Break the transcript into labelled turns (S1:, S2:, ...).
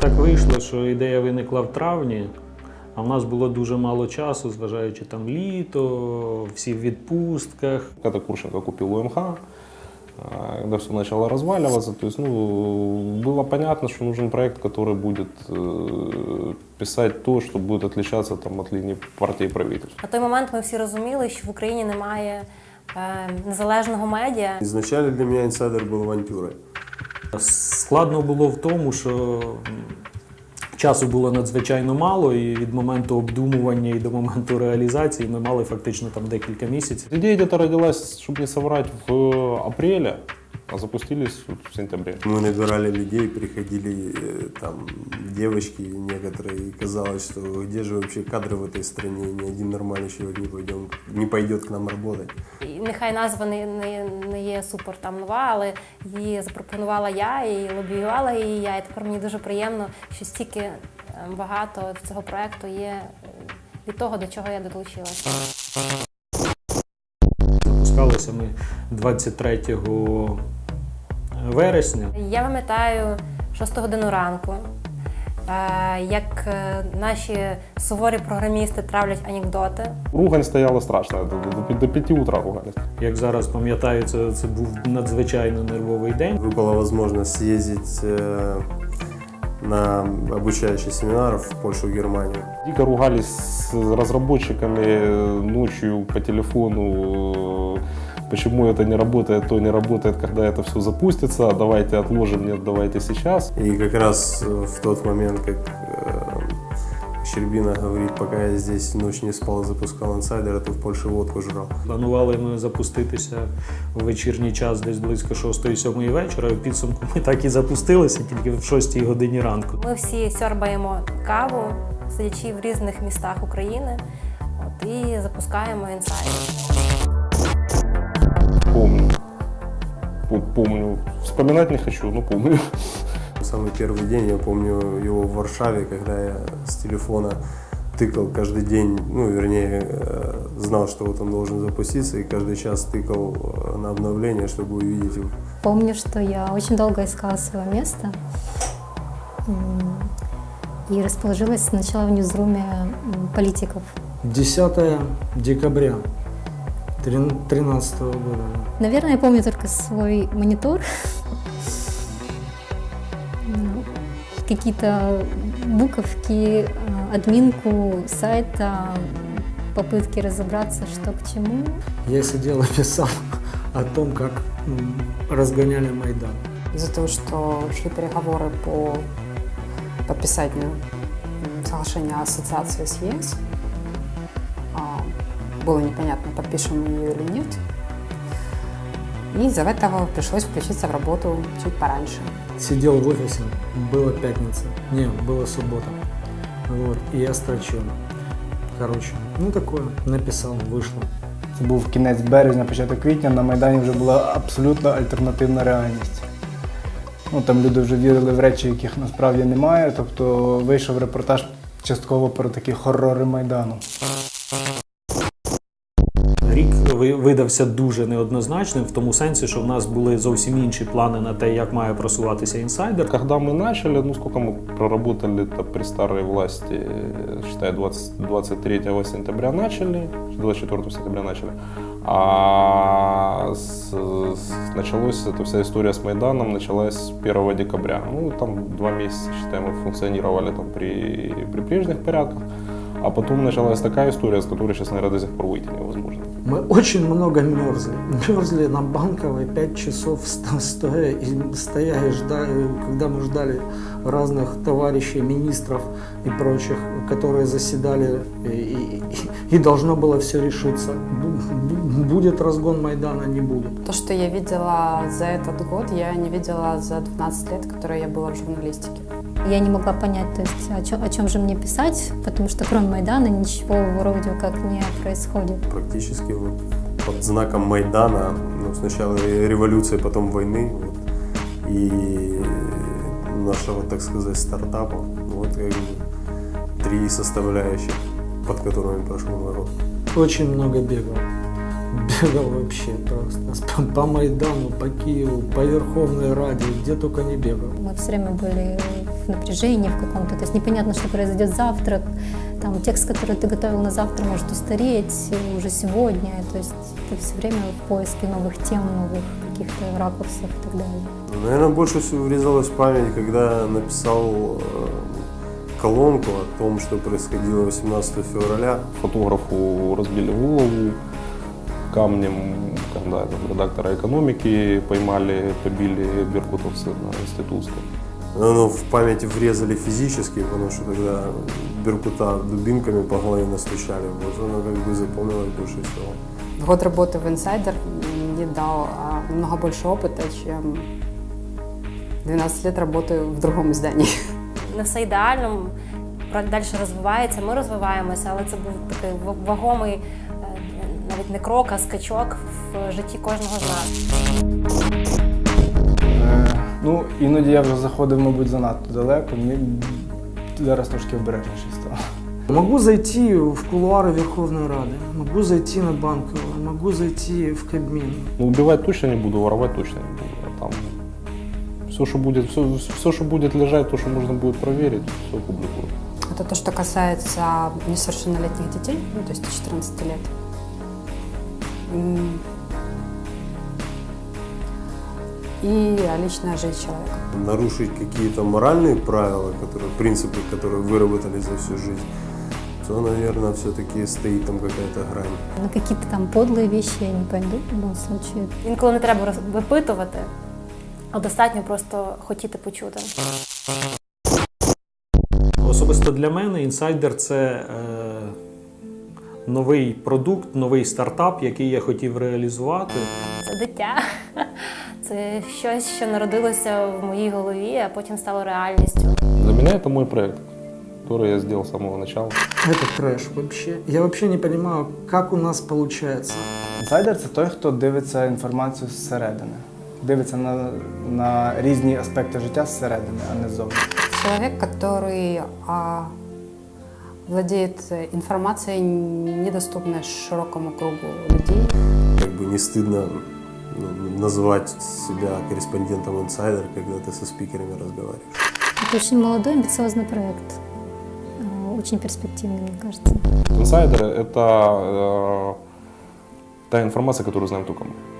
S1: так вийшло, що ідея виникла в травні, а в нас було дуже мало часу, зважаючи там літо, всі в відпустках.
S2: Когда Курченко купил УМХ, когда все начало разваливаться, то есть, было понятно, что нужен проект, который будет писать то, что будет отличаться там, от линии партии и правительства.
S3: На той момент ми всі розуміли, що в Україні немає незалежного медіа.
S4: Изначально для меня «Инсайдер» был авантюрой.
S1: Складно було в тому, що часу було надзвичайно мало, і від моменту обдумування і до моменту реалізації ми мали фактично там декілька місяців.
S2: Идея где-то родилась, чтобы не соврать, в апреле, а запустились в сентябре.
S4: Мы набирали людей, приходили там девочки некоторые, и казалось, что где же вообще кадры в этой стране, ни один нормальный человек не пойдет к нам работать.
S3: І нехай назва не є супер там нова, але її запропонувала я і лобіювала її я. І тепер мені дуже приємно, що стільки багато цього проекту є від того, до чого я долучилася.
S1: Запускалися ми 23 вересня.
S3: Я пам'ятаю 6 годину ранку, як наші суворі програмісти травлять анекдоти.
S2: Ругань стояла страшна, до 5 утра ругались.
S1: Як зараз пам'ятаю, це був надзвичайно нервовий день.
S4: Выпала возможность съездить на обучающий семинар в Польшу и Германию.
S2: Дико ругались с разработчиками ночью по телефону, почему это не работает, то не работает, когда это все запустится, давайте отложим, нет, давайте сейчас.
S4: И как раз в тот момент, как Щербина говорит, пока я здесь ночь не спал, запускал «Инсайдер», то в Польше водку жрал.
S1: Планували ми запуститися в вечірній час десь близько 6-7 вечора. В підсумку ми так і запустилися, тільки в 6 годині ранку.
S3: Ми всі сьорбаємо каву, сидячи в різних містах України, і запускаємо «Інсайдер».
S2: Помню. Вспоминать не хочу, но помню.
S4: Самый первый день, я помню его в Варшаве, когда я с телефона тыкал каждый день, знал, что вот он должен запуститься, и каждый час тыкал на обновление, чтобы увидеть его.
S5: Помню, что я очень долго искала свое место и расположилась сначала в ньюзруме политиков.
S1: 10 декабря 2013 года.
S5: Наверное, я помню только свой монитор, какие-то буковки, админку сайта, попытки разобраться, что к чему.
S1: Я сидел и писал о том, как разгоняли Майдан.
S6: Из-за того, что шли переговоры по подписанию соглашения о ассоциации с ЕС, было непонятно, подпишем мы ее или нет. И из-за этого пришлось включиться в работу чуть пораньше.
S1: Сидел в офисе, была пятница, была суббота, и я строчил. Такое, написал, вийшло.
S7: Це був кінець березня, початок квітня, на Майдані вже була абсолютно альтернативна реальність. Там люди вже вірили в речі, яких насправді немає, тобто вийшов репортаж частково про такі хорори Майдану.
S1: Рік видався дуже неоднозначним, в тому сенсі, що в нас були зовсім інші плани на те, як має просуватися «Інсайдер».
S2: Когда мы начали, сколько мы проработали при старой власти, считай, 23 сентября начали, 24 сентября начали, а началась эта вся история с Майданом, началась 1 декабря. Там 2 месяца, считай, мы функционировали там при прежних порядках, а потом началась такая история, с которой сейчас, наверное, до сих пор выйти невозможно.
S1: Мы очень много мерзли. Мерзли на Банковой 5 часов стоя и ждали, когда мы ждали разных товарищей, министров и прочих, которые заседали, и должно было все решиться. Будет разгон Майдана, не будет.
S6: То, что я видела за этот год, я не видела за 12 лет, которые я была в журналистике.
S5: Я не могла понять, то есть, о чем же мне писать, потому что кроме Майдана ничего вроде как не происходит.
S4: Практически под знаком Майдана, сначала революции, потом войны, и нашего, так сказать, стартапа, 3 составляющих, под которыми прошел народ.
S1: Очень много бегал. Бегал вообще просто. По Майдану, по Киеву, по Верховной Раде, где только не бегал.
S5: Мы все время были в напряжении в каком-то, то есть непонятно, что произойдет завтра, там текст, который ты готовил на завтра, может устареть уже сегодня, то есть ты все время в поиске новых тем, новых каких-то ракурсов и так далее.
S4: Наверное, больше всего врезалось в память, когда написал колонку о том, что происходило 18 февраля.
S2: Фотографу разбили голову камнем, когда там редактора экономики поймали, побили беркутовцы на Институтской.
S4: Оно в памяти врезали физически, потому что тогда Беркута дубинками по голове настучали. Вот оно как бы запомнилось больше всего.
S6: Год работы в Insider мне дал намного больше опыта, чем 12 лет работы в другом издании.
S3: Не все ідеально, проект далі розвивається, ми розвиваємося, але це був такий вагомий, навіть не крок, а скачок в житті кожного з нас.
S7: Ну, іноді я вже заходив, мабуть, занадто далеко. Мені зараз трошки обережніше стало.
S1: Могу зайти в кулуары Верховной Рады, могу зайти на Банковую, могу зайти в Кабмин.
S2: Ну, убивать точно не буду, воровать точно не буду. А там все, что будет лежать, то, что можно будет проверить, все публикую.
S6: Это то, что касается несовершеннолетних детей, ну, то есть 14 лет. И личная жизнь человека.
S4: Нарушить какие-то моральные правила, принципы, которые выработали за всю жизнь, то, наверное, все-таки стоит там какая-то грань.
S5: На какие-то там подлые вещи я не пойду в любом случае.
S3: Інколи не треба випитувати, а достатньо просто хотіти почути.
S8: Особисто для мене інсайдер – це новий продукт, новий стартап, який я хотів реалізувати.
S3: Це дитя, це щось, що народилося в моїй голові, а потім стало реальністю.
S2: Для меня это мой проект, который я сделал с самого начала.
S1: Это трэш вообще. Я вообще не понимаю, как у нас получается.
S7: Інсайдер – це той, хто дивиться інформацію зсередини. Дивиться на різні аспекти життя зсередини, а не ззовні.
S6: Человек, который владеет информацией, недоступной широкому кругу людей.
S4: Как бы не стыдно назвать себя корреспондентом Insider, когда ты со спикерами разговариваешь.
S5: Это очень молодой, амбициозный проект, очень перспективный, мне кажется.
S2: Инсайдеры – это та информация, которую знаем только мы.